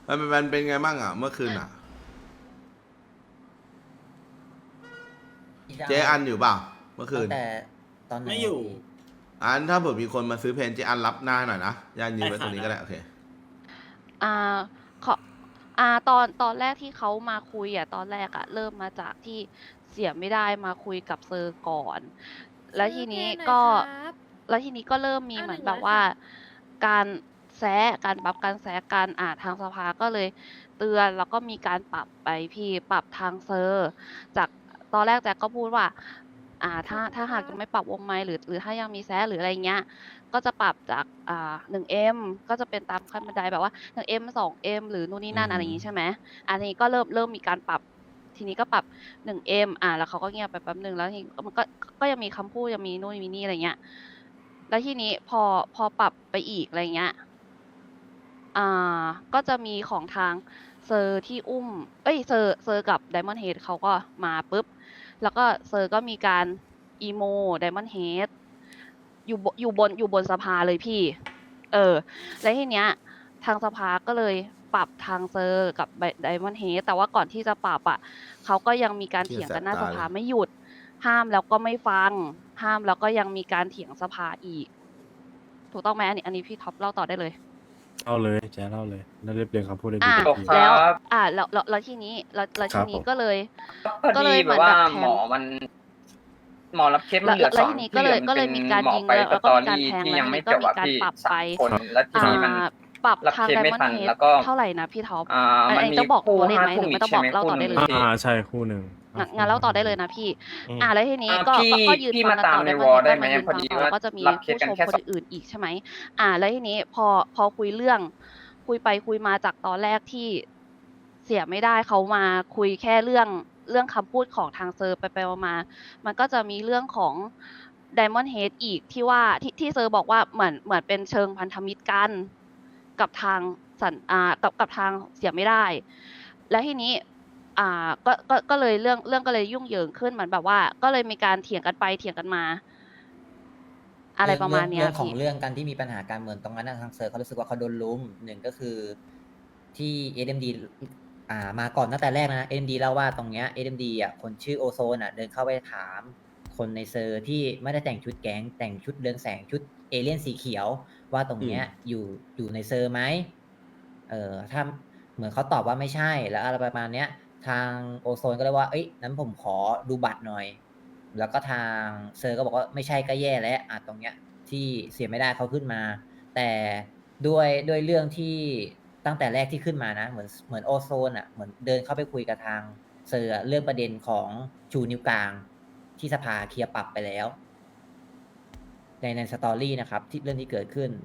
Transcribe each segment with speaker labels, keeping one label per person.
Speaker 1: มันเป็นไงบ้างอ่ะเมื่อคืนอ่ะเจ๊อันอยู่เปล่าเมื่อคืน
Speaker 2: ตั้งแต่ตอนไหน
Speaker 3: ไม่อยู่
Speaker 1: อันถ้าเผื่อมีคนมาซื้อเพนเจ๊อันรับหน้าหน่อยนะย่านยืนไว้ตรงนี้ก็ได้โอเค
Speaker 4: อ่าขอตอนแรกที่เขามาคุยตอนแรกเริ่มมาจากที่เสียไม่ได้มาคุยกับเซอร์ก่อน แล้วทีนี้ก็เริ่มมีเหมือนแบบว่า การบัฟการแซะกันทางสภาก็เลยเตือนแล้วก็มีการปรับไปพี่ปรับทางเซอร์จากตอนแรกแจ็คก็พูดว่าถ้าหากยังไม่ปรับวงไมค์หรือถ้ายังมีแซะหรืออะไรเงี้ยก็จะปรับจาก1M ก็จะเป็นตามขั้นบันไดแบบว่า 1M 2M หรือนู่นนี่นั่นอะไรอย่างงี้ใช่ไหมทีนี้ก็เริ่มมีการปรับทีนี้ก็ปรับ 1M แล้วเขาก็เงียบไปแป๊บนึงแล้วทีมันก็ยังมีคำพูดยังมีนู่นมีนี่อะไรเงี้ยแล้วทีนี้พอปรับไปอีกอะไรเงี้ยก็จะมีของทางเซอร์ที่อุ้มเซอร์กับไดมอนด์เฮดเขาก็มาปุ๊บแล้วก็เซอร์ก็มีการอีโมไดมอนด์เฮดอยู่บนสภาเลยพี่แล้วทีเนี้ยทางสภาก็เลยปรับทางเซอร์กับไดมอนด์เฮดแต่ว่าก่อนที่จะปรับเขาก็ยังมีการเถียงกันหน้าสภาไม่หยุดห้ามแล้วก็ไม่ฟังห้ามแล้วก็ยังมีการเถียงสภาอีกถูกต้องไหมอันนี้พี่ท็อปเล่าต่อได้เลย
Speaker 5: เล่าเลยแจ๊เล่าเลยน่าเรียบเรียงคำพูดได้ดี
Speaker 4: แล้วทีนี้ก็เลย
Speaker 6: พอดีแบบว่าหมอรับเคสมันเหลือ
Speaker 4: แล้ว
Speaker 6: 2
Speaker 4: ทีนี้
Speaker 6: ที่เหลือ
Speaker 4: ก็
Speaker 6: เป็
Speaker 4: เล
Speaker 6: น
Speaker 4: ยมีการ
Speaker 6: หมอ
Speaker 4: ยิง
Speaker 6: ไป
Speaker 4: แล้ว
Speaker 6: ส
Speaker 4: ก็
Speaker 6: ตอ
Speaker 4: มีการ
Speaker 6: รี่
Speaker 4: แทง
Speaker 6: ที่
Speaker 4: แล้ว
Speaker 6: ยังไม่
Speaker 4: ก็
Speaker 6: จบ
Speaker 4: มี
Speaker 6: อ่ะ
Speaker 4: การ
Speaker 6: พี่
Speaker 4: ปรับไป
Speaker 6: 3 คนแล้วทีนี้มัน
Speaker 4: ปรับ
Speaker 6: รับ
Speaker 4: ทาง
Speaker 6: เคส
Speaker 4: ได
Speaker 6: ไม่
Speaker 4: มอน
Speaker 6: ทัน
Speaker 4: ด์เฮด
Speaker 6: แล้วก็
Speaker 4: เท่าไหร่นะพี่ท็อป
Speaker 6: มันมี
Speaker 4: ต้องบอก
Speaker 6: คู่
Speaker 4: ตัวเลข
Speaker 6: 5
Speaker 4: ไหมห
Speaker 6: ทุ่
Speaker 4: รือ
Speaker 6: ม
Speaker 4: ไม่
Speaker 6: อีก
Speaker 4: ต้อง
Speaker 6: ใช่
Speaker 4: บอก
Speaker 6: ไหม
Speaker 4: เล่า
Speaker 6: คู่
Speaker 4: ต่อ
Speaker 6: หนึ่
Speaker 4: ได้
Speaker 6: ง
Speaker 4: เลย
Speaker 6: พี่
Speaker 5: ใช่คู่หนึ่ง
Speaker 4: งั้นเล่าต่อได้เลยนะพี่ แล้วทีนี้ก็
Speaker 6: พี่
Speaker 4: ก็ยืน
Speaker 6: พี่
Speaker 4: ฟัง
Speaker 6: มา
Speaker 4: กัน
Speaker 6: ตาม
Speaker 4: ต่อ
Speaker 6: ใน
Speaker 4: ได้
Speaker 6: วอลได้
Speaker 4: ได้
Speaker 6: ไหม
Speaker 4: มายืน
Speaker 6: พอ
Speaker 4: ฟัง
Speaker 6: ดี
Speaker 4: ต่อ
Speaker 6: ว่า
Speaker 4: แล้วก็จะมี
Speaker 6: รับเคส
Speaker 4: ผู้
Speaker 6: กัน
Speaker 4: ชม
Speaker 6: แค่
Speaker 4: คน
Speaker 6: 2
Speaker 4: อื่นๆอีกใช่ไหมแล้วทีนี้พอคุยเรื่องคุยไปคุยมาจากตอนแรกที่เสียไม่ได้เขามาคุยแค่เรื่องคำพูดของทางเซอร์ไปมามันก็จะมีเรื่องของ Diamond Head อีกที่ว่าที่เซอร์บอกว่าเหมือนเป็นเชิงพันธมิตรกันกับทางกับทางเสียไม่ได้ แล้วทีนี้ก็เลยเรื่องก็เลยยุ่งเหยิงขึ้นเหมือนแบบว่า ก็เลยมีการเถียงกันไปเถียงกันมา อะไรประมาณเนี้ย
Speaker 2: เรื่องของ
Speaker 4: พี่
Speaker 2: เรื่องกันที่มีปัญหาการเมืองตรงนั้นทางเซอร์เขารู้สึกว่าเขาโดนลุมหนึ่งก็คือที่ SMD มาก่อนตั้งแต่แรกนะ SMD เล่าว่าตรงเนี้ย SMD คนชื่อโอโซนเดินเข้าไปถามคนในเซอร์ที่ไม่ได้แต่งชุดแก๊งแต่งชุดเรืองแสงชุดเอเลี่ยนสีเขียวว่าตรงเนี้ยอยู่ในเซอร์ไหมถ้าเหมือนเขาตอบว่าไม่ใช่แล้วอะไรประมาณเนี้ยทางโอโซนก็เลยว่านั้นผมขอดูบัตรหน่อยแล้วก็ทางเซอร์ก็บอกว่าไม่ใช่ก็แย่แล้วตรงเนี้ยที่เสียไม่ได้เขาขึ้นมา แต่ด้วยเรื่องที่ตั้งแต่แรกที่ขึ้นมานะเหมือนโอโซนเหมือนเดินเข้าไปคุยกับทางเซอร์เรื่องประเด็นของชูนิ้วกลางที่สภาเคลียร์ปรับไปแล้วในสตอรี่นะครับที่เรื่องที่เกิดขึ้น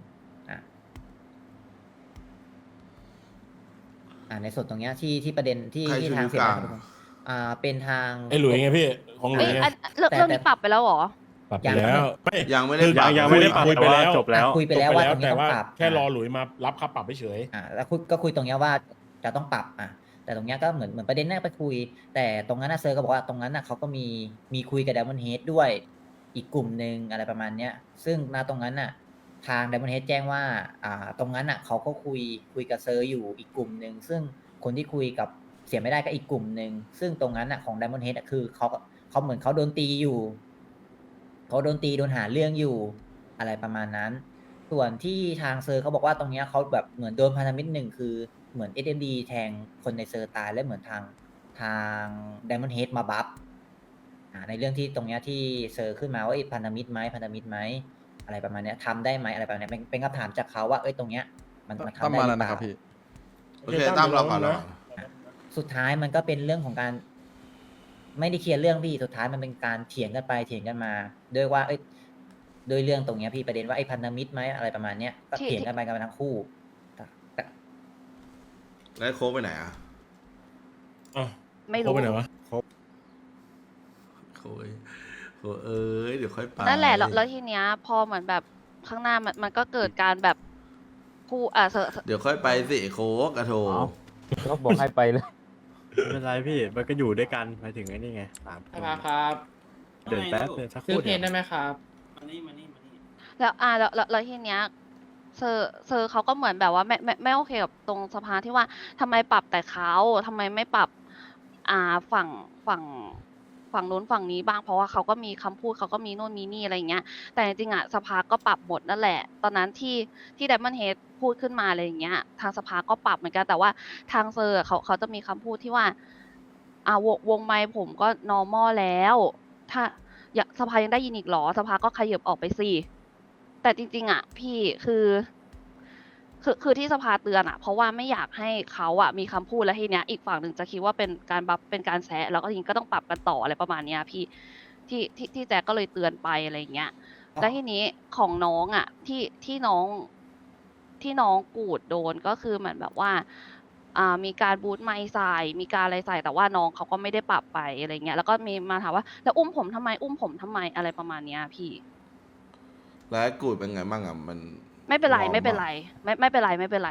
Speaker 2: ในส่วนตรงเนี้ยที่ประเด็นที่
Speaker 1: ใครชู
Speaker 2: ทาง
Speaker 1: นิ้ว
Speaker 2: เสีย
Speaker 1: กลาง
Speaker 2: เป็นทาง
Speaker 5: ไอ้หลุยไงพี่ของหลุยไง
Speaker 4: เรื่องนี้ปรับไปแล้วเหรอ
Speaker 5: ปรับไปแล้วไม่
Speaker 1: ยังไม่ได้
Speaker 5: คือ
Speaker 1: ปรับ
Speaker 5: ยังไม่ได้ปรับ
Speaker 7: คุยไปแล้ว
Speaker 5: จบแล้ว
Speaker 2: คุยไปแล้วว่าตรงนี้
Speaker 5: แต่
Speaker 2: ต้อง
Speaker 5: ว่า
Speaker 2: ปรับ
Speaker 5: แค่รอหลุยมารับค่าปรับเฉย
Speaker 2: แล้วก็คุยตรงเนี้ยว่าจะต้องปรับแต่ตรงเนี้ยก็เหมือนประเด็นแรกไปคุย แต่ตรงนั้นเซอร์ก็บอกว่าตรงนั้นเขาก็มีคุยกับ Diamond Head ด้วยอีกกลุ่มหนึ่งอะไรประมาณเนี้ยซึ่งตรงนั้นทาง Diamond Head แจ้งว่าตรงนั้นเขาก็คุยกับเซอร์อยู่อีกกลุ่มหนึ่งซึ่งคนที่คุยกับเสียไม่ได้ก็อีกกลุ่มหนึ่งซึ่งตรงนั้นของ Diamond Head คือเขาเหมือนเขาโดนตีอยู่เขาโดนตีโดนหาเรื่องอยู่อะไรประมาณนั้น ส่วนที่ทางเซอร์เขาบอกว่าตรงเนี้ยเขาแบบเหมือนโดนพันธมิตรหนึ่งคือเหมือน SMD แทงคนในเซอร์ตายและเหมือนทาง Diamond Head มาบัฟในเรื่องที่ตรงเนี้ยที่เซอร์ขึ้นมาว่าพันธมิตรไหมอะไรประมาณเนี้ยทำได้ไหมอะไรประมาณเนี้ยเป็นคำถามจากเขาว่าตรงเนี้ยมันทำได้หรือเปล่า
Speaker 1: โอเคตั้มเราก่อนเรา
Speaker 2: สุดท้ายมันก็เป็นเรื่องของการไม่ได้เคลียร์เรื่องพี่สุดท้ายมันเป็นการเถียงกันไปเถียงกันมาด้วยว่าโดยเรื่องตรงเนี้ยพี่ประเด็นว่าพันธมิตรไหมอะไรประมาณเนี้ยก็เถียงกันไปกันมาทั้งคู่แต่
Speaker 1: แล้วโค้กไปไหน
Speaker 5: ๆ
Speaker 4: ไม่
Speaker 5: ครบ
Speaker 4: รู้
Speaker 5: ไปไหนวะ
Speaker 1: โค้กเดี๋ยวค่อยไป
Speaker 4: นั่นแหละแล้วทีเนี้ยพอเหมือนแบบข้างหน้ามันก็เกิดการแบบผู้
Speaker 1: เดี๋ยวค่อยไปสิโค้กกระโถ
Speaker 7: ก็บอกให้ไปเลย
Speaker 5: ไม่เป็นไรพี่มันก็อยู่ด้วยกันไปถึงไอ้นี่ไง3
Speaker 3: ครับ
Speaker 5: เดินแป๊บเดินสักค
Speaker 3: ซื้อ
Speaker 5: รู่
Speaker 3: เพนได้ไหมครับ
Speaker 4: แล้วทีเนี้ยเซอร์เขาก็เหมือนแบบว่าไม่โอเคกับตรงสภาที่ว่าทำไมปรับแต่เขาทำไมไม่ปรับฝั่งนู้นฝั่งนี้บ้างเพราะว่าเขาก็มีคำพูดเขาก็มีโน่นมีนี่อะไรอย่างเงี้ย แต่จริงๆอ่ะสภาก็ปรับหมดนั่นแหละ ตอนนั้นที่ Diamond Head พูดขึ้นมาอะไรอย่างเงี้ย ทางสภาก็ปรับเหมือนกันแต่ว่าทางเซอร์อะเขาจะมีคำพูดที่ว่า วงไมค์ผมก็ normal แล้ว ถ้าสภายังได้ยินอีกเหรอ สภาก็ขยับออกไปสิ แต่จริงๆอ่ะพี่คือที่สภาเตือนอ่ะ เพราะว่าไม่อยากให้เขาอ่ะมีคำพูดแล้วทีเนี้ยอีกฝั่งหนึ่งจะคิดว่าเป็นการบัฟเป็นการแซะแล้วก็ทีนี้ก็ต้องปรับกันต่ออะไรประมาณเนี้ยพี่ที่แจ็คก็เลยเตือนไปอะไรอย่างเงี้ย แล้วทีนี้ของน้องอ่ะที่น้องกูดโดนก็คือเหมือนแบบว่า มีการบูทไมค์ใส่มีการอะไรใส่แต่ว่าน้องเขาก็ไม่ได้ปรับไปอะไรเงี้ยแล้วก็มีมาถามว่าแล้วอุ้มผมทำไมอะไรประมาณเนี้ยพี่
Speaker 1: แล้วไอ้กูดเป็นไงบ้างอ่ะมัน
Speaker 4: ไม่เป็นไร
Speaker 1: น้อง
Speaker 4: ไม่เป็นไรไม่เป็นไร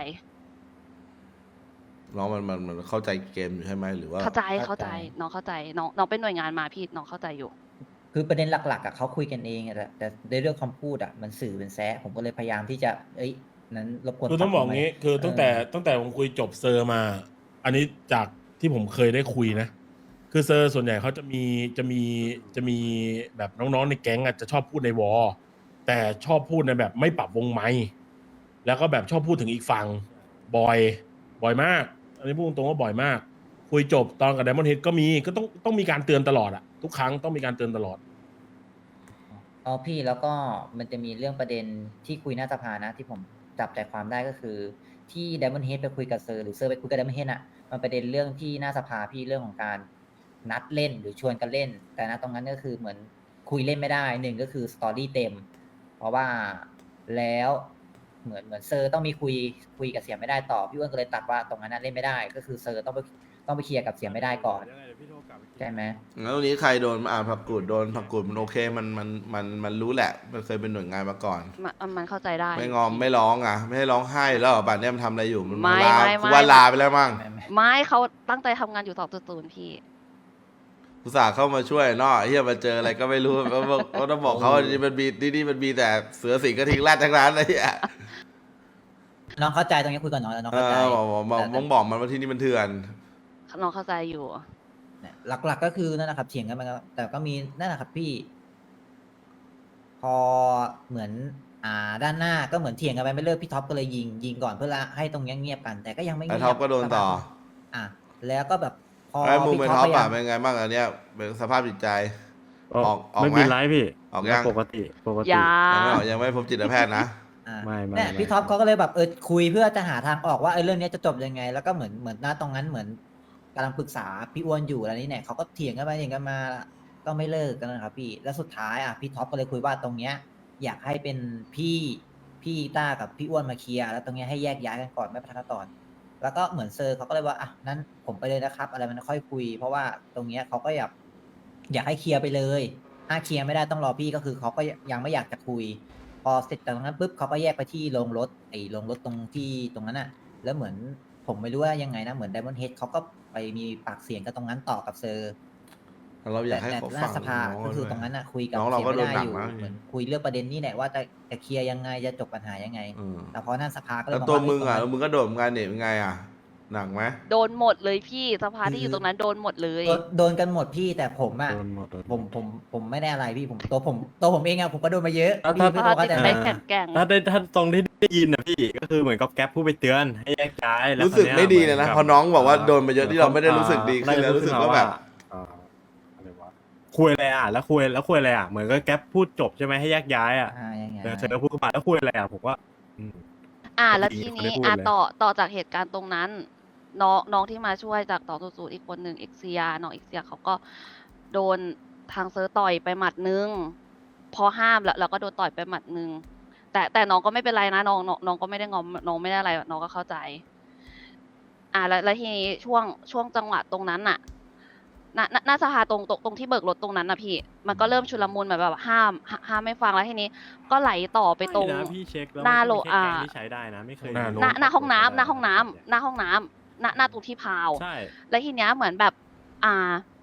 Speaker 1: น้องมันเข้าใจเกมอยู่ใช่ไหมหรือว่า
Speaker 4: เข้าใจน้องเข้าใจน้องเป็นหน่วยงานมาพี่น้องเข้าใจอยู่
Speaker 2: คือประเด็นหลักๆอ่ะเขาคุยกันเองอะแต่ในเรื่องคำพูดอ่ะมันสื่อเป็นแซะผมก็เลยพยายามที่จะนั้นรบกวน
Speaker 3: คือต้องบอกงี้คือตั้งแต่ผมคุยจบเซอร์มา อันนี้จากที่ผมเคยได้คุยนะ คือเซอร์ส่วนใหญ่เขาจะมีแบบน้องๆในแก๊งอ่ะจะชอบพูดในวอลแต่ชอบพูดในแบบไม่ปรับวงไมค์แล้วก็แบบชอบพูดถึงอีกฝั่งบ่อยมาก อันนี้พูดตรงๆว่าบ่อยมาก คุยจบตอนกับ Diamond Head ก็ต้องมีการเตือนตลอดอะทุกครั้งต้องมีการเตือนตลอด
Speaker 2: อ๋อพี่แล้วก็มันจะมีเรื่องประเด็นที่คุยหน้าสภานะที่ผมจับใจความได้ก็คือ ที่ Diamond Head ไปคุยกับเซอร์หรือเซอร์ไปคุยกับ Diamond Head อ่ะมันประเด็นเรื่องที่หน้าสภาพี่เรื่องของการนัดเล่นหรือชวนกันเล่น แต่นะตรงนั้นก็คือเหมือนคุยเล่นไม่ได้หนึ่งก็คือสตอรี่เต็ม เพราะว่าแล้วเหมือนเซอร์ต้องมีคุยกับเสียไม่ได้ต่อพี่อ้วนก็เลยตัดว่าตรงนั้นนะเล่นไม่ได้ ก็คือเซอร์ต้องไปเคลียร์กับเสียไม่ได้ก่อนใช่ไหม
Speaker 1: แล้วตรงนี้ใครโดนผักกูดโดนผักกูดมันโอเคมันรู้แหละ มันเคยเป็นหน่วยงานมาก่อน
Speaker 4: มันเข้าใจได้
Speaker 1: ไม่งอมไม่ร้องอ่ะ ไม่ให้ร้องไห้แล้วเหรอป่านเนี้ยมันทำอะไรอยู่มัน
Speaker 4: ไม่
Speaker 1: ลา
Speaker 4: ไม่
Speaker 1: กูว่าลาไปแล้วมั้ง
Speaker 4: ไม่เขาตั้งใจทำงานอยู่2.0พี่
Speaker 1: อุตส่าห์เข้ามาช่วยเนาะเฮียมาเจออะไรก็ไม่รู้ก็ต้องบอกเขาว่านี่มันมีแต่เสือสิงกระทิงแรดทั้งนั้นเลยอ่ะ
Speaker 2: น้องเข้าใจตรงนี้คุยกับน้องแล้วน้อง
Speaker 1: เอ
Speaker 2: เข้าใจ
Speaker 1: อบอกมันว่าที่นี่มันเถื่อน
Speaker 4: น้องเข้าใจอยู่
Speaker 2: เนี่ยหลักๆก็คือนั่นแหละครับเถียงกันมาแต่ก็มีนั่นแหละครับพี่ พอเหมือนด้านหน้าก็เหมือนเถียงกันไปไม่เลิกพี่ท็อปก็เลยยิงก่อนเพื่อให้ตรงนี้เงียบกัน แต่ก็ยังไม่
Speaker 1: ไอ้
Speaker 2: เงียบ
Speaker 1: ท็อปก็โดนต่อ
Speaker 2: แล้วก็แบบพอ
Speaker 1: ไอ้มูเป็น
Speaker 2: พี่
Speaker 1: ท็อป
Speaker 2: พยายา
Speaker 1: อ่ะ
Speaker 2: ม
Speaker 1: เป็นไงบ้างอันเนี้ยเป็นสภาพจิตใจ ออก
Speaker 5: ไม่
Speaker 1: ไหม
Speaker 5: มีไรพี่
Speaker 1: ออกยัง
Speaker 5: ปกติ
Speaker 4: อย่า
Speaker 1: ยังไม่พบจิตแพทย์นะ
Speaker 5: ไม่
Speaker 2: เนี่ยพี่ท็อปเขาก็เลยแบบคุยเพื่อจะหาทางออกว่าเรื่องนี้จะจบยังไง แล้วก็เหมือนหน้าตรงนั้นเหมือนกำลังปรึกษาพี่อ้วนอยู่อะไรนี้เนี่ยเขาก็เถียงกันไปเถียงกันมาก็ไม่เลิกกันนะครับพี่แล้วสุดท้ายพี่ท็อปก็เลยคุยว่าตรงเนี้ยอยากให้เป็นพี่ต้ากับพี่อ้วนมาเคลียร์แล้วตรงเนี้ยให้แยกย้ายกันก่อนไม่พัฒนาต่อแล้วก็เหมือนเซอร์เขาก็เลยว่านั้นผมไปเลยนะครับ อะไรมันค่อยคุย เพราะว่าตรงเนี้ยเขาก็อยากให้เคลียร์ไปเลยถ้าเคลียร์ไม่ได้ต้องรอพี่ก็คือเขาก็ยังไม่อยากจะคุย พอเสร็จจากตรงนั้นปุ๊บเขาก็แยกไปที่โรงรถโรงรถตรงที่ตรงนั้นน่ะ แล้วเหมือนผมไม่รู้ว่ายังไงนะเหมือน Diamond Head เขาก็ไปมีปากเสียงกันตรงนั้นต่อกับเซอร์
Speaker 1: เราอยากให้
Speaker 2: แต่
Speaker 1: เขา
Speaker 2: หน้า
Speaker 1: ฟัง
Speaker 2: สภา
Speaker 1: น้อง
Speaker 2: ก็คือ
Speaker 1: ด้วย
Speaker 2: ตรงนั้นน่ะคุยกับ
Speaker 1: น้องเรา
Speaker 2: เสีย
Speaker 1: ก็
Speaker 2: ไม่
Speaker 1: โดน
Speaker 2: ได้
Speaker 1: หนัก
Speaker 2: อยู่
Speaker 1: นะ
Speaker 2: เหมือนคุยเรื่องประเด็นนี้แหละว่าจะเคลียร์ยังไงจะจบปัญหายังไง
Speaker 1: อืม
Speaker 2: แต่พอหน้าสภาก็เลย
Speaker 1: แล้ว
Speaker 2: บอก
Speaker 1: ตัว
Speaker 2: ว่า
Speaker 1: มึงอ่ะ
Speaker 2: ตรนั้น
Speaker 1: มึงก็โดดเหมือนกันเนี่ยเป็นไงอ่ะ หนักไหม
Speaker 4: โดนหมดเลยพี่สภาที่อยู่ตรงนั้นโดนหมดเลย
Speaker 2: โดนกันหมดพี่แต่ผมอ่ะ
Speaker 5: โดนหมด
Speaker 2: ผมไม่ได้อะไรพี่ตัวผมเองอะผมก็โดนมาเยอะ
Speaker 5: ถ้า
Speaker 2: พี่
Speaker 4: สภา
Speaker 2: เข้า
Speaker 4: ติด
Speaker 2: ใจ
Speaker 4: ใจ
Speaker 2: ไหม
Speaker 4: แก่ง
Speaker 5: ถ้าตรงที่ได้ยินนะพี่ก็คือเหมือนกับแก๊ปผู้ไปเตือนให้แยกย้ายแล้ว
Speaker 1: รู้สึก
Speaker 5: คราว
Speaker 1: ไม่
Speaker 5: เนี้ย
Speaker 1: ดีเลยนะ
Speaker 5: หมื
Speaker 1: พอน้องบอกว่าโดนมาเยอะที่เราไม่ได้รู้สึกดีขึ้นแล้ว
Speaker 5: ได้
Speaker 1: รู้สึกว่าแบบ
Speaker 5: อะไรวะคุยอะไรอ่ะแล้วคุยอะไรอ่ะเหมือนก็แก๊ปพูดจบใช่ไหมให้แยกย้ายอ่ะ
Speaker 2: ยังไง
Speaker 5: แต่เธอพูดขึ้นมาแล้วคุยอะไรอ่ะผมว่าอืม
Speaker 4: แล้ว
Speaker 5: ดี
Speaker 4: ที
Speaker 5: เขา
Speaker 4: นี้
Speaker 5: ได้พูดเลย
Speaker 4: ต่อจากเหตุการณ์ตรงนั้น น้องที่มาช่วยจาก2.0อีกคนหนึ่งเอ็กเซียน้องเอ็กเซียเขาก็โดนทางเซิร์ฟต่อยไปหมัดนึง พอห้ามแล้วก็โดนต่อยไปหมัดนึง แต่น้องก็ไม่เป็นไรนะน้องก็ไม่ได้งอมน้องไม่ได้อะไรน้องก็เข้าใจ แล้วทีนี้ช่วงจังหวะตรงนั้นน่ะหน้าสภาตรงที่เบิกรถตรงนั้นน่ะพี่ มันก็เริ่มชุลมุนแบบห้ามไม่ฟังแล้วทีนี้ ก็ไหลต่อไปตรง
Speaker 5: ไม่นะพี่เช็คแล้ว
Speaker 4: หน้าโล
Speaker 5: มันไม่ใช่แก๊งที่ใช้ได้นะไม่เคย
Speaker 4: หน้าห้องน้ำหน้าตรงที่พาว
Speaker 5: ใช่
Speaker 4: แล้วทีเนี้ยเหมือนแบบ พ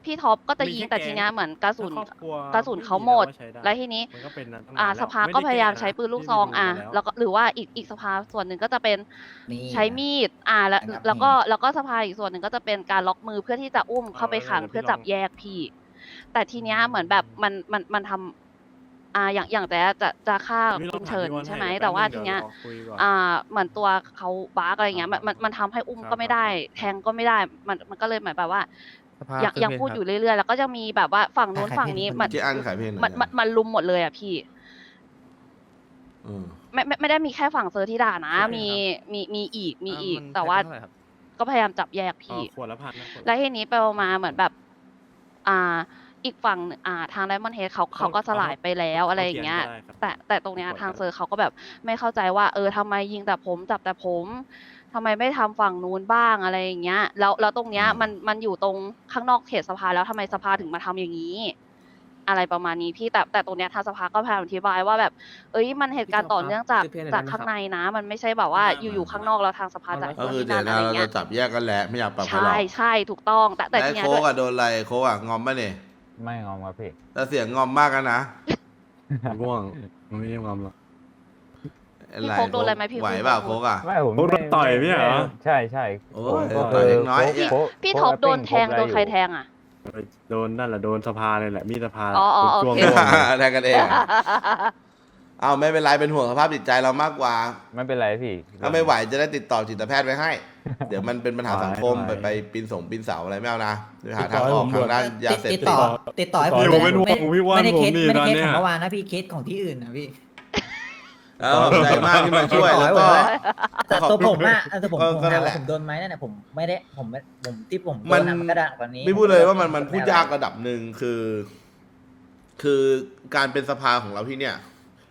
Speaker 4: พี่ท็อปก็จะยิง
Speaker 5: มีแค่
Speaker 4: แต่ทีเนี้ย
Speaker 5: แก๊ง
Speaker 4: เหมือนกระสุน
Speaker 5: ถ้าครอบครัว
Speaker 4: กระสุนเขา
Speaker 5: ไม่มี
Speaker 4: หมด
Speaker 5: แล้วก็ใช้ได้
Speaker 4: แล้วทีนี้
Speaker 5: มันก็เป็นนั้นตั้งนานแล้ว
Speaker 4: สภาก็พยายามใช้ปืนลูกซอง
Speaker 5: ไม่ได้แก้นะ
Speaker 4: แล้วก็หรือว่าอีกสภาส่วนหนึ่งก็จะเป็น
Speaker 2: มีด
Speaker 4: ใช้มีดแล้ว
Speaker 2: นะครับ
Speaker 4: แล้วก็สภาอีกส่วนหนึ่งก็จะเป็นการล็อกมือเพื่อที่จะอุ้มเข้าไปขังเพื่อจับแยกพี่ แต่ทีเนี้ยเหมือนแบบมันทำอย่างแต่จะฆ่า
Speaker 5: พี่ล
Speaker 4: คุ
Speaker 5: อง
Speaker 4: ณ
Speaker 5: ถาม
Speaker 4: เฉิน
Speaker 5: พี่วอน
Speaker 4: ใช่ไหม
Speaker 5: ให้
Speaker 4: แต่ว่า
Speaker 5: แป๊บนึง
Speaker 4: ทีเนี้ย
Speaker 5: เดี๋ยวรอคุยก่อน
Speaker 4: เหมือนตัวเขาบาร์กอะไรเงี้ยมันทำให้อุ้ม
Speaker 5: ครับ
Speaker 4: ก็ไม่ได้
Speaker 5: ครับ
Speaker 4: แทงก็ไม่ได้ มันก็เลยเหมือนแบบว่า
Speaker 8: สภา
Speaker 4: ยังพูดอยู่เรื่อยๆแล้วก็จะมีแบบว่าฝั่งนู้น
Speaker 2: ขาย
Speaker 4: ฝั่ง
Speaker 2: เพลง
Speaker 4: นี้
Speaker 2: คน
Speaker 4: มัน
Speaker 1: เจ๊อันขายเพลงหน่อย
Speaker 4: มันลุมหมดเลยอ่ะพี่
Speaker 1: อืม
Speaker 4: ไม่ได้มีแค่ฝั่งเซอร์ที่ด่านะ
Speaker 5: โอเค
Speaker 4: มีอีก
Speaker 8: มัน
Speaker 4: แต่ว่า
Speaker 8: เท่ไหร่ครับ
Speaker 4: ก็พยายามจับแยก
Speaker 5: อ๋อ
Speaker 4: พี่
Speaker 5: ขวดละพันนะขวดละ
Speaker 4: แล้วทีนี้ไปมาเหมือนแบบ อีกฝั่งหนึ่งทางไดมอนด์เฮดเขาก็สลายไปแล้วอะไรอย่างเงี้ย
Speaker 5: ก็ได้ครับ
Speaker 4: แต่ตรงเนี้ย
Speaker 5: ขอโทษ
Speaker 4: ทาง
Speaker 5: ครับ
Speaker 4: เซอร์เขาก็แบบไม่เข้าใจว่าทำไมยิงแต่ผมจับแต่ผมทำไมไม่ทำฝั่งนู้นบ้างอะไรอย่างเงี้ยแล้วตรงเนี้ยมันอยู่ตรงข้างนอกเขตสภาแล้วทำไมสภาถึงมาทำอย่างนี้ อะไรประมาณนี้พี่แต่ตรงเนี้ยทางสภาก็พยายามอธิบายว่าแบบ มันเหตุการณ์ต่อเนื่องจาก
Speaker 8: พี่ท็อปครับ
Speaker 4: ข้างในนะ มันไม่ใช่แบบว่าอยู่ๆข้างนอกแล้วทางสภาจ่าย
Speaker 1: ก็คือ
Speaker 4: ที่
Speaker 1: เดี๋ย
Speaker 4: นั่
Speaker 1: วน นะ
Speaker 4: อะไร
Speaker 1: เรา
Speaker 4: เงี้
Speaker 1: จะ
Speaker 4: ย
Speaker 1: จับแยกกันแหละไม่อยากปรับใครหรอก
Speaker 4: ใช่ถูกต้องแต่
Speaker 1: แต่
Speaker 4: ทีเนี้ย
Speaker 1: โค้
Speaker 4: ด้
Speaker 1: ก
Speaker 4: วย
Speaker 1: อะโดนอะไรโค้กอะงอมป่ะเนี่ย
Speaker 7: ไม่งอมครับพี่
Speaker 1: แต่เสียงงอมมากกันนะ
Speaker 5: ง่วงมันไม่ได้งอมหรอก
Speaker 4: พี่โค้กโดนอะไรไหมพี่
Speaker 1: ไหวเปล่า
Speaker 4: โค้
Speaker 1: โค้
Speaker 4: ก
Speaker 1: กอะ
Speaker 7: ไม่ผม
Speaker 5: โดนต่อยไม่ใช่เหรอ
Speaker 7: ใช่ใช่
Speaker 1: โอ้ย
Speaker 7: ก็
Speaker 1: ต่อยเล็กน้อย
Speaker 7: โค้ก
Speaker 4: พี่
Speaker 7: โค้ก
Speaker 4: ท็อปโดน
Speaker 7: แอป
Speaker 4: แท
Speaker 7: ปิ้
Speaker 4: งโดนใคร
Speaker 7: คบ
Speaker 4: แทงอ่ะ
Speaker 5: โดนนั่นแหละโดนสภาเลยแหละมีดสภา
Speaker 4: อ๋อโอ
Speaker 5: ช่วง
Speaker 4: เค
Speaker 5: ร่วงเลย
Speaker 1: แทงกันเองอะเอาไม่เป็นไรเป็นห่วงสภาพจิตใจเรามากกว่า
Speaker 7: ไม่เป็นไรพี่
Speaker 1: ถ้าไม่ไหวจะได้ติดต่อจิตแพทย์ไว้ให้ เดี๋ยวมันเป็นปัญหาสังคม
Speaker 5: ไหว
Speaker 1: ไปปีนเสาอะไรไม่เอานะเดี๋ยวหาทางออกทางด้านยาเสพ
Speaker 2: ติด
Speaker 1: ติด
Speaker 2: ต่อให้ผม
Speaker 5: อยู่เป็นห่วงพี่ว่าน
Speaker 2: ไม่ได้
Speaker 5: ผม
Speaker 2: เคส
Speaker 5: นี่
Speaker 2: ไม่
Speaker 5: ต
Speaker 2: ได้
Speaker 5: อน
Speaker 2: เคส
Speaker 5: เนี้
Speaker 2: ข
Speaker 5: ย
Speaker 2: องเมื่อวานนะพี่เคสของที่อื่นนะพี่
Speaker 1: ขอบใจมากที่มาช่วยแล้วก็
Speaker 2: แต่ตัวผมอะแต่ผม
Speaker 1: ก็นั่นแหละ
Speaker 2: ผมโดนไหมนั่นแหละผมไม่ได้ผมที่ผมโด
Speaker 1: มัน
Speaker 2: นอะมันก็ดังกว่านี้
Speaker 1: ไม่พูดเลยว่ามันพูดยากระดับหนึ่งคือการเป็นสภาของเราที่เนี่ย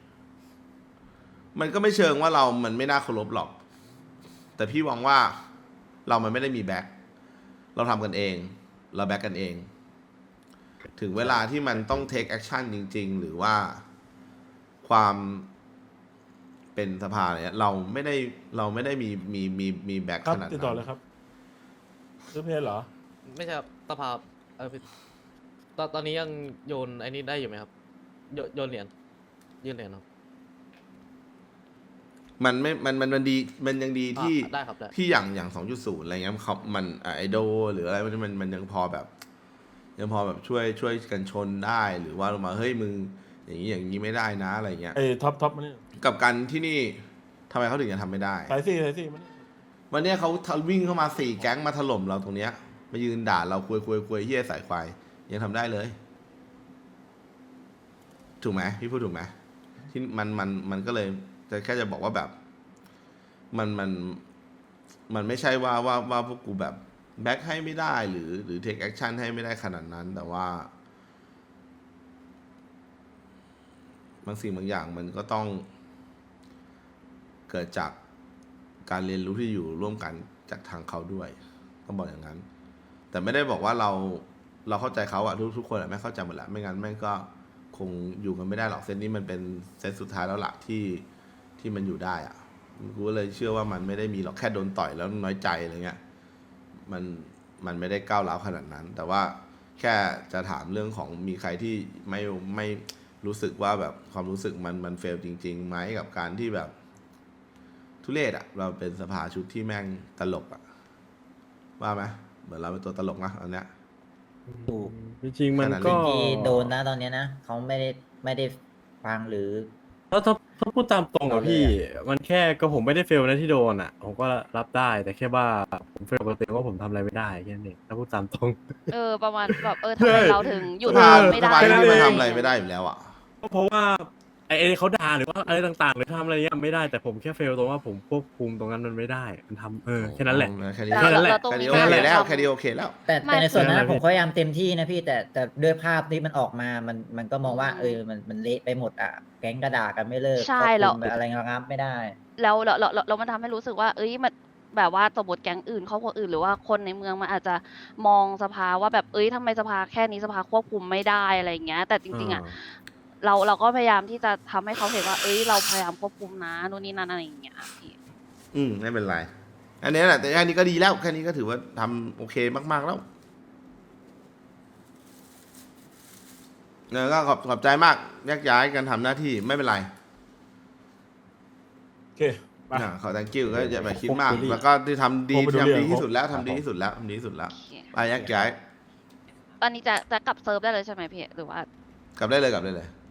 Speaker 1: มันก็ไม่เชิงว่ามันไม่น่าเคารพหรอก แต่พี่หวังว่ามันไม่ได้มีแบ็คเราทำกันเอง เราแบ็คกันเอง ถึงเวลาที่มันต้องเทคแอคชั่นจริง ๆ หรือว่าความเป็นสภาเนี่ยเราไม่ได้มีแบ็ค
Speaker 3: ครับ
Speaker 1: ขนาด
Speaker 3: ติดต่อ
Speaker 1: นั้
Speaker 3: เลย
Speaker 1: น
Speaker 3: ครับซื้อเพลเหรอ
Speaker 8: ไม่ใช่ครับสภาพี่ตอนนี้ยังโยนไอ้นี่ได้อยู่ไหมครับ โยนเหรียญยื่นเหรียญครับ
Speaker 1: มันไม่มันดีมันยังดีที่
Speaker 8: ได้ครับได้
Speaker 1: ที่อย่าง 2.0 อะไรเงี้ยมันไอดอลหรืออะไรมันยังพอแบบช่วยกันชนได้หรือว่าลงมาเฮ้ยมึงอย่างนี้ไม่ได้นะอะไรเงี้ย
Speaker 3: ไอ้ท็อปมานี่
Speaker 1: กับการที่นี่ทำไมเขาถึงจะทำไม่ได้
Speaker 3: สายสี่มานี่
Speaker 1: วันเนี้ยเขาวิ่งเข้ามา4 แก๊งมาถล่มเราตรงเนี้ยมายืนด่าเราคุยเฮี้ยสายควายยังทำได้เลย ถูกไหมพี่พูดถูกไหมที่มันก็เลยจะแค่จะบอกว่าแบบมันไม่ใช่ว่าพวกกูแบบแบ็คให้ไม่ได้หรือเทคแอคชั่นให้ไม่ได้ขนาดนั้น แต่ว่าบางสิ่งบางอย่างมันก็ต้องเกิดจากการเรียนรู้ที่อยู่ร่วมกันจากทางเขาด้วยต้องบอกอย่างนั้น แต่ไม่ได้บอกว่าเราเข้าใจเขาอะทุกคนอะไม่เข้าใจหมดแหละไม่งั้นแม่งก็คงอยู่กันไม่ได้หรอกเซตนี้มันเป็นเซตสุดท้ายแล้วล่ะที่มันอยู่ได้อะกูก็เลยเชื่อว่ามันไม่ได้มีหรอกแค่โดนต่อยแล้วน้อยใจอะไรเงี้ยมันไม่ได้ก้าวร้าวขนาดนั้น แต่ว่าแค่จะถามเรื่องของมีใครที่ไม่รู้สึกว่าแบบความรู้สึกมันเฟลจริงๆไหมกับการที่แบบทุเรศอะเราเป็นสภาชุดที่แม่งตลกอะว่าไหมเหมือนเราเป็นตัวตลกนะอันเนี้ย
Speaker 2: ถูก
Speaker 5: จริงๆมันก็
Speaker 2: ที่โดนนะตอนเนี้ยนะเขาไม่ได้ฟังหรือ
Speaker 5: ถ้าพูดตามตรงอะพี่ มันแค่ก็ผมไม่ได้เฟลนะที่โดนอะผมก็รับได้แต่แค่ว่าผมเฟลปกติว่าผมทำอะไรไม่ได้แค่นั้นเองถ้าพูดตามตรง
Speaker 4: ประมาณแบบทำไมเราถึงหยุด
Speaker 1: สภา
Speaker 4: ไม่
Speaker 1: ส
Speaker 4: ได้
Speaker 1: ภาที่
Speaker 5: แค่
Speaker 1: นี่
Speaker 5: นั้น
Speaker 1: มัน
Speaker 5: เอง
Speaker 1: ทำอะไรไม่ได้อยู่แล้วอะ
Speaker 5: ก็เพราะว่าไอ้เขาด่าหรือว่าอะไรต่างๆหรือทำอะไรเงี้ยไม่ได้แต่ผมแค่เฟลตรงว่าผมควบคุมตรงนั้นมันไม่ได้มันทำแค่นั้นแหละ
Speaker 1: แค่นี้
Speaker 5: แค่นั้นแหละ
Speaker 4: เราตรง
Speaker 1: แค่
Speaker 4: นี้
Speaker 1: นี้โอเคแล้ว
Speaker 4: เรา
Speaker 1: แค่นี้โอเคแล้ว
Speaker 2: แต่
Speaker 4: ไม่
Speaker 2: ในส่วนนั้น
Speaker 5: ไม่
Speaker 2: ผมก็พยายามเต็มที่นะพี่แต่ด้วยภาพที่มันออกมามันก็มองว่า
Speaker 4: อืม
Speaker 2: มันเละไปหมดอ่ะแก๊งกระดากันไม่เลิก
Speaker 4: ใช่
Speaker 2: ควบคุม
Speaker 4: แล้ว
Speaker 2: อะไรงับไม่ได้
Speaker 4: แล้วมันทำให้รู้สึกว่ามันแบบว่าสมมติแก๊งอื่นครอบครัวอื่นหรือว่าคนในเมืองมันอาจจะมองสภาว่าแบบทำไมสภาแค่นี้สภาควบคุมไม่ได้อะไรอย่างเงี้ย แต่จริงๆอ่ะเราก็พยายามที่จะทำให้เขาเห็นว่าเราพยายามควบคุมนะนู่นนี่นั่นอะไรอย่างเงี้ยพี่
Speaker 1: ไม่เป็นไร อันนี้แหละแต่อันนี้ก็ดีแล้วแค่นี้ก็ถือว่าทำโอเคมากๆแล้วก็ขอบใจมากแยกย้ายกันทำหน้าที่ไม่เป็นไร
Speaker 3: โอเคไป
Speaker 1: ขอ thank you ก็อย่าไปคิดมาก
Speaker 3: ผม
Speaker 1: แล้วก็ที่ทำดี
Speaker 3: ผมไปดู
Speaker 1: ทำดี
Speaker 3: เรื่อง
Speaker 1: ที่สุดแล้ว
Speaker 3: ครั
Speaker 1: ทำ
Speaker 3: บ
Speaker 1: ดีที่สุดแล้วทำดีที่สุดแล้ว
Speaker 4: โอเค
Speaker 1: ไปแยกย้าย
Speaker 4: ตอนนี้จะกลับเซิร์ฟได้เลยใช่ไหมพี่หรือว่า
Speaker 1: กลับได้เลยกลับได้เลย